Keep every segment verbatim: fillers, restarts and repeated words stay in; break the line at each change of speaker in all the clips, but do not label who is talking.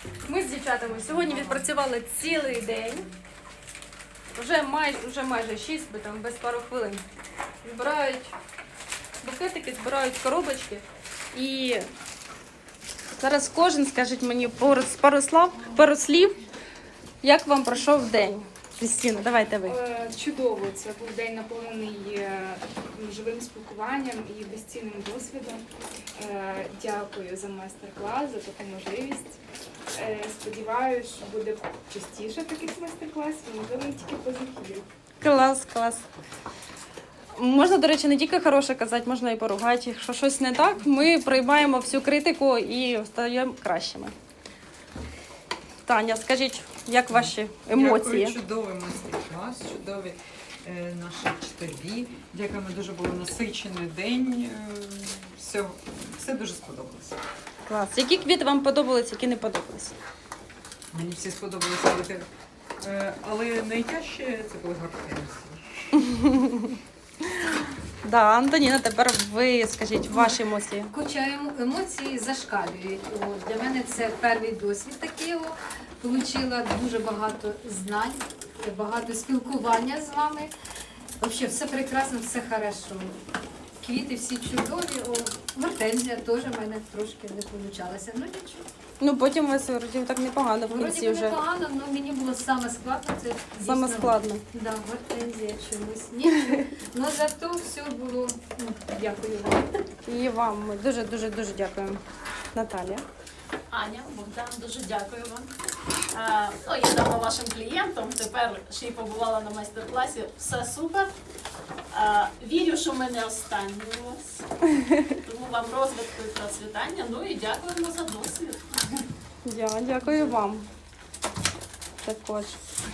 Ми з дівчатами сьогодні відпрацювали цілий день. Вже майже, вже майже шість, бо там без пару хвилин. Збирають букетики, збирають коробочки. І зараз кожен скаже мені пару, пару, слов, пару слів, як вам пройшов день. Крістіна, давайте ви.
Чудово, це був день наповнений живим спілкуванням і безцінним досвідом. Дякую за майстер-клас, за таку можливість. Сподіваюся, що буде частіше таких майстер-класів, можливо, не тільки позитивів.
Клас, клас. Можна, до речі, не тільки хороше казати, можна і поругати. Якщо щось не так, ми приймаємо всю критику і стаємо кращими. Таня, скажіть, як ваші емоції?
Дякую, чудовий майстер-клас, чудові е, наші вчителі. Дякуємо, дуже був насичений день. Е, все, все дуже сподобалося.
Клас. Які квіти вам подобались, які не подобались?
Мені всі сподобалися квіти. Е, але найтяжче це були гортензії.
Да, Антоніна, тепер ви скажіть ваші емоції.
Хоча емоції зашкалюють. О, для мене це перший досвід такий. Получила дуже багато знань, багато спілкування з вами. Взагалі, все прекрасно, все хорошо. Квіти всі чудові. О, гортензія теж в мене трошки не вийшло. Ну нічого.
Ну, потім у вас вроді так непогано в
Вроді
кінці
би
вже.
непогано, але мені було саме складно. Це
Саме
дійсно,
складно.
Да, гортензія чомусь. Нічого. Ну зато все було. Ну, дякую вам.
І вам ми дуже-дуже-дуже дякуємо. Наталія.
Аня, Богдан, дуже дякую вам. А, ну, я давно вашим клієнтом, тепер ще й побувала на майстер-класі. Все супер. А, вірю, що ми не останні у вас. Тому вам розвитку і процвітання. Ну і дякуємо за досвід.
Я дякую вам. Також.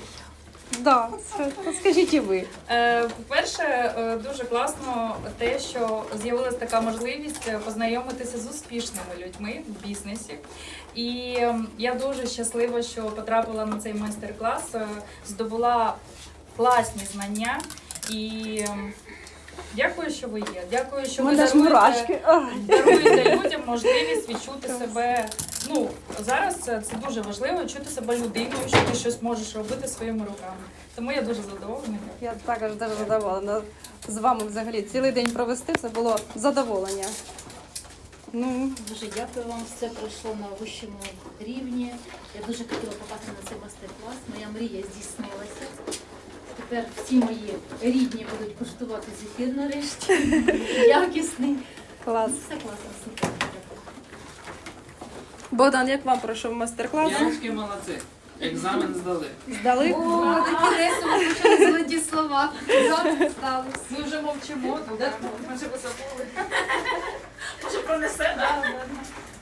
Да, скажіть і ви.
Е, По-перше, е, дуже класно те, що з'явилася така можливість познайомитися з успішними людьми в бізнесі. І е, я дуже щаслива, що потрапила на цей майстер-клас, е, здобула класні знання. І е, дякую, що ви є. Дякую, що ви
Мене ж мурашки.
даруєте, даруєте людям можливість відчути себе. Ну, зараз це, це дуже важливо, чути себе людиною, що ти щось можеш робити своїми руками. Тому я дуже задоволена.
Я також дуже задоволена з вами взагалі. Цілий день провести це було задоволення. Ну,
Дуже дякую вам, все пройшло на вищому рівні. Я дуже хотіла попасти на цей майстер-клас. Моя мрія здійснилася. Тепер всі мої рідні будуть куштувати зефір нарешті. Якісний.
клас.
Все класно, супер.
Богдан, як вам пройшов майстер-клас?
Дівчатки молодці. Екзамен здали.
Здали?
О, такі весело почали золоті слова. Завтра сталося.
Ми вже мовчимо, то ми вже високо.
Може, пронесе, так?